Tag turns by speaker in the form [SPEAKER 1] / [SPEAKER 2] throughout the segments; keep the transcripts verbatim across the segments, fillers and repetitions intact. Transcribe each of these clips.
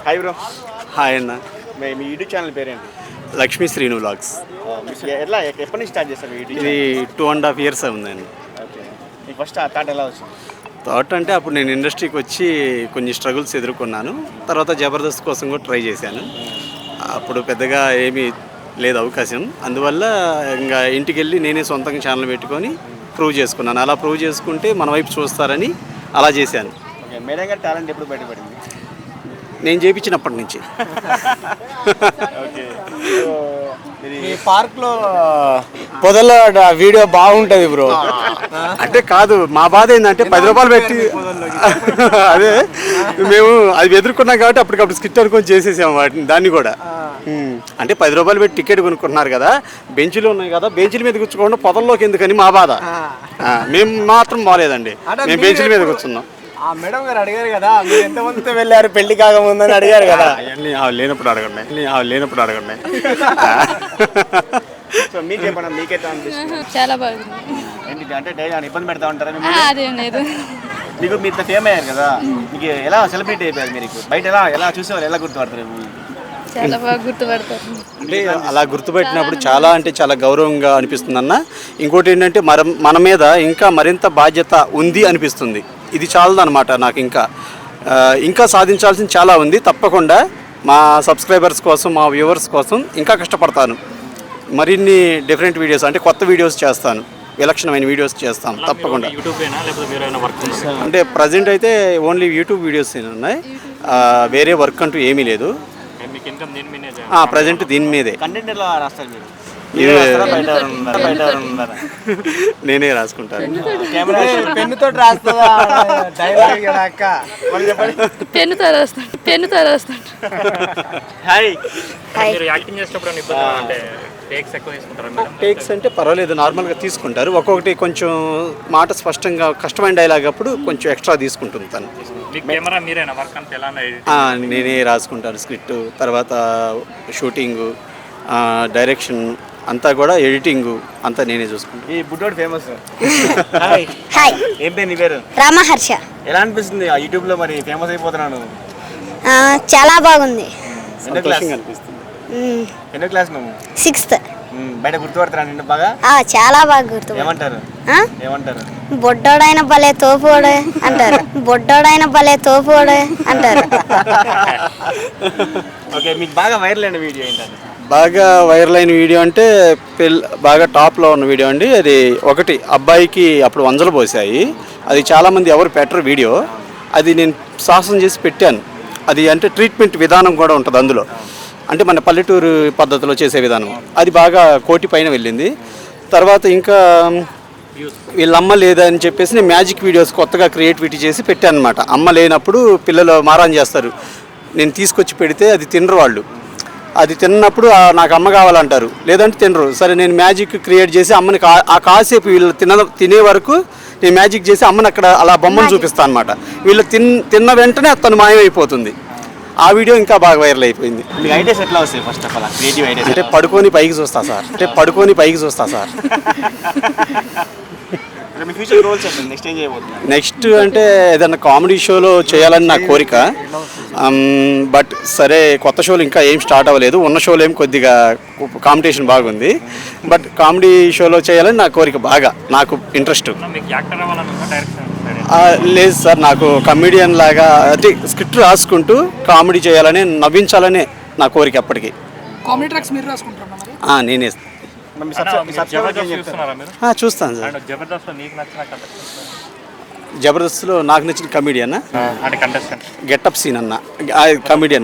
[SPEAKER 1] Hi bro.
[SPEAKER 2] Hi అన్న.
[SPEAKER 1] మీ YouTube channel పేరేంటి?
[SPEAKER 2] Lakshmi Srinu vlogs.
[SPEAKER 1] ఎట్లా ఎప్పటి నుంచి స్టార్ట్ చేస్తారు యూట్యూబ్?
[SPEAKER 2] ఇది టూ అండ్ హాఫ్ ఇయర్స్ ఉందండి.
[SPEAKER 1] ఓకే, మీకు ఫస్ట్ ఆ థాట్ ఎలా వచ్చింది?
[SPEAKER 2] థాట్ అంటే అప్పుడు నేను ఇండస్ట్రీకి వచ్చి కొన్ని స్ట్రగుల్స్ ఎదుర్కొన్నాను. తర్వాత జబర్దస్త్ కోసం కూడా ట్రై చేశాను. అప్పుడు పెద్దగా ఏమీ లేదు అవకాశం. అందువల్ల ఇంకా ఇంటికి వెళ్ళి నేనే సొంతంగా ఛానల్ పెట్టుకొని ప్రూవ్ చేసుకున్నాను. అలా ప్రూవ్ చేసుకుంటే మన వైపు చూస్తారని అలా చేశాను.
[SPEAKER 1] ఓకే, మేడం గారి టాలెంట్ ఎప్పుడు బయటపడింది?
[SPEAKER 2] నేను చేయించినప్పటి నుంచి.
[SPEAKER 1] ఓకే,
[SPEAKER 3] ఈ పార్క్ లో పొదల వీడియో బాగుంటది బ్రో.
[SPEAKER 2] అంటే కాదు, మా బాధ ఏంటంటే పది రూపాయలు పెట్టి అదే మేము అది ఎదుర్కొన్నాం కాబట్టి అప్పటికప్పుడు స్కిట్ అనుకొని చేసేసాము వాటిని. దాన్ని కూడా అంటే పది రూపాయలు పెట్టి టికెట్ కొనుక్కుంటున్నారు కదా, బెంచ్లు ఉన్నాయి కదా, బెంచ్ల మీద కూర్చోకుండా పొదల్లోకి ఎందుకని మా బాధ. మేము మాత్రం బాగాలేదండి, మేము బెంచ్ల మీద కూర్చున్నాం.
[SPEAKER 3] ఆ మేడం గారు అడిగారు కదా, మీరు ఎంతమందితో వెళ్ళారు పెళ్లి కాకముందని అడిగారు కదా.
[SPEAKER 2] అవన్నీ లేనప్పుడు అడగండి, లేనప్పుడు అడగండి.
[SPEAKER 1] సో మీకు చెప్పండి, మీకైతే అనిపిస్తుంది?
[SPEAKER 4] చాలా బాగుంది.
[SPEAKER 1] ఏంటి అంటే డైలీ ఇబ్బంది పెడతా ఉంటారా?
[SPEAKER 4] అదేం లేదు.
[SPEAKER 1] మీకు మీరు ఫేమ్ అయ్యారు కదా, మీకు ఎలా సెలబ్రిటీ అయిపోయారు? మీరు బయట ఎలా ఎలా చూసేవారు, ఎలా గుర్తుపడతారు?
[SPEAKER 4] చాలా బాగా గుర్తుపడతారు.
[SPEAKER 2] అంటే అలా గుర్తుపెట్టినప్పుడు చాలా అంటే చాలా గౌరవంగా అనిపిస్తుంది అన్న. ఇంకోటి ఏంటంటే మన మన మీద ఇంకా మరింత బాధ్యత ఉంది అనిపిస్తుంది. ఇది చాలదన్నమాట నాకు. ఇంకా ఇంకా సాధించాల్సింది చాలా ఉంది. తప్పకుండా మా సబ్స్క్రైబర్స్ కోసం, మా వ్యూవర్స్ కోసం ఇంకా కష్టపడతాను. మరిన్ని డిఫరెంట్ వీడియోస్ అంటే కొత్త వీడియోస్ చేస్తాను, విలక్షణమైన వీడియోస్ చేస్తాను తప్పకుండా. అంటే ప్రజెంట్ అయితే ఓన్లీ యూట్యూబ్ వీడియోస్ ఉన్నాయి, వేరే వర్క్ అంటూ ఏమీ లేదు. ప్రజెంట్ దీని మీదే.
[SPEAKER 1] కంటెంట్ ఎలా రాస్తారు మీరు?
[SPEAKER 2] నేనే రాసుకుంటాను.
[SPEAKER 3] పెన్నుతో రాస్తుందా?
[SPEAKER 4] పెన్నుతో రాస్తాను, పెన్నుతో రాస్తాను.
[SPEAKER 1] హాయ్.
[SPEAKER 2] టేక్స్ అంటే పర్వాలేదు, నార్మల్గా తీసుకుంటారు. ఒక్కొక్కటి కొంచెం మాట స్పష్టంగా కష్టమైన డైలాగ్ అప్పుడు కొంచెం ఎక్స్ట్రా తీసుకుంటుంది తను. నేనే రాసుకుంటాను స్క్రిప్ట్, తర్వాత షూటింగు, డైరెక్షన్ అంతా కూడా, ఎడిటింగ్ అంతా నేనే చూసుకుంటాను.
[SPEAKER 1] ఈ బుడ్డోడు ఫేమస్.
[SPEAKER 5] హాయ్.
[SPEAKER 1] ఏం పేరు నీ పేరు?
[SPEAKER 5] రామహర్ష.
[SPEAKER 1] ఎలా అనిపిస్తుంది ఆ యూట్యూబ్ లో మరి ఫేమస్ అయిపోతున్నాను?
[SPEAKER 5] చాలా బాగుంది.
[SPEAKER 1] ఎన్నో క్లాస్
[SPEAKER 2] అనిపిస్తుంది.
[SPEAKER 1] ఎన్నో క్లాస్ నువ్వు?
[SPEAKER 5] సిక్స్త్.
[SPEAKER 1] బయట గుర్తుపడతారా నిన్ను బాగా?
[SPEAKER 5] చాలా బాగా గుర్తు.
[SPEAKER 1] ఏమంటారు ఏమంటారు?
[SPEAKER 5] బొడ్డోడైన భలే తోపోడే అంటారు. బొడ్డోడైన భలే తోపోడే అంటారు.
[SPEAKER 1] ఓకే, మీకు బాగా వైరల్ అయిన వీడియో ఏంటంటే?
[SPEAKER 2] బాగా వైరల్ అయిన వీడియో అంటే పెళ్ళి బాగా టాప్లో ఉన్న వీడియో అండి. అది ఒకటి, అబ్బాయికి అప్పుడు వంజలు పోసాయి. అది చాలామంది ఎవరు పెట్టరు వీడియో. అది నేను సాహసం చేసి పెట్టాను. అది అంటే ట్రీట్మెంట్ విధానం కూడా ఉంటుంది అందులో, అంటే మన పల్లెటూరు పద్ధతిలో చేసే విధానం. అది బాగా కోటి పైన వెళ్ళింది. తర్వాత ఇంకా వీళ్ళమ్మ లేదని చెప్పేసి నేను మ్యాజిక్ వీడియోస్ కొత్తగా క్రియేటివిటీ చేసి పెట్టాను అనమాట. అమ్మ లేనప్పుడు పిల్లలు మారాన్ చేస్తారు, నేను తీసుకొచ్చి పెడితే అది తినరు వాళ్ళు. అది తిన్నప్పుడు నాకు అమ్మ కావాలంటారు, లేదంటే తినరు. సరే, నేను మ్యాజిక్ క్రియేట్ చేసి అమ్మని కా ఆ కాసేపు వీళ్ళు తిన తినే వరకు నేను మ్యాజిక్ చేసి అమ్మని అక్కడ అలా బొమ్మను చూపిస్తాను అనమాట. వీళ్ళు తిన్ తిన్న వెంటనే తను మాయమైపోతుంది. ఆ వీడియో ఇంకా బాగా వైరల్ అయిపోయింది.
[SPEAKER 1] మీకు ఐడియాస్ ఎట్లా వస్తాయి? First of all creative ideas
[SPEAKER 2] అంటే పడుకొని పైకి చూస్తా సార్, అంటే పడుకొని పైకి చూస్తా సార్.
[SPEAKER 1] మీ ఫ్యూచర్ గోల్స్ ఏంటి? నెక్స్ట్ ఏం చేయబోతున్నారు?
[SPEAKER 2] నెక్స్ట్ అంటే ఏదన్నా కామెడీ షోలో చేయాలని నా కోరిక. బట్ సరే, కొత్త షోలు ఇంకా ఏం స్టార్ట్ అవ్వలేదు. ఉన్న షోలో ఏం కొద్దిగా కాంపిటీషన్ బాగుంది. బట్ కామెడీ షోలో చేయాలని నా కోరిక, బాగా నాకు ఇంట్రెస్ట్. లేదు సార్, నాకు కమెడియన్ లాగా అంటే స్క్రిప్ట్ రాసుకుంటూ కామెడీ చేయాలని, నవ్వించాలనే నా కోరిక అప్పటికి.
[SPEAKER 6] కామెడీ ట్రాక్స్ మీరు రాసుకుంటారా?
[SPEAKER 2] నేనే చూస్తాను సార్. జబర్దస్త్లో నాకు నచ్చిన కమెడియన్ గెటప్ సీన్ అన్న, కమెడియన్.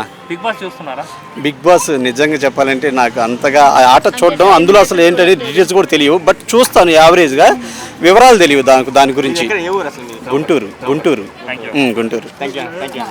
[SPEAKER 2] బిగ్ బాస్ నిజంగా చెప్పాలంటే నాకు అంతగా ఆ ఆట చూడడం, అందులో అసలు ఏంటనే డీటెయిల్స్ కూడా తెలియవు. బట్ చూస్తాను యావరేజ్గా, వివరాలు తెలియవు దాని దాని గురించి. గుంటూరు గుంటూరు గుంటూరు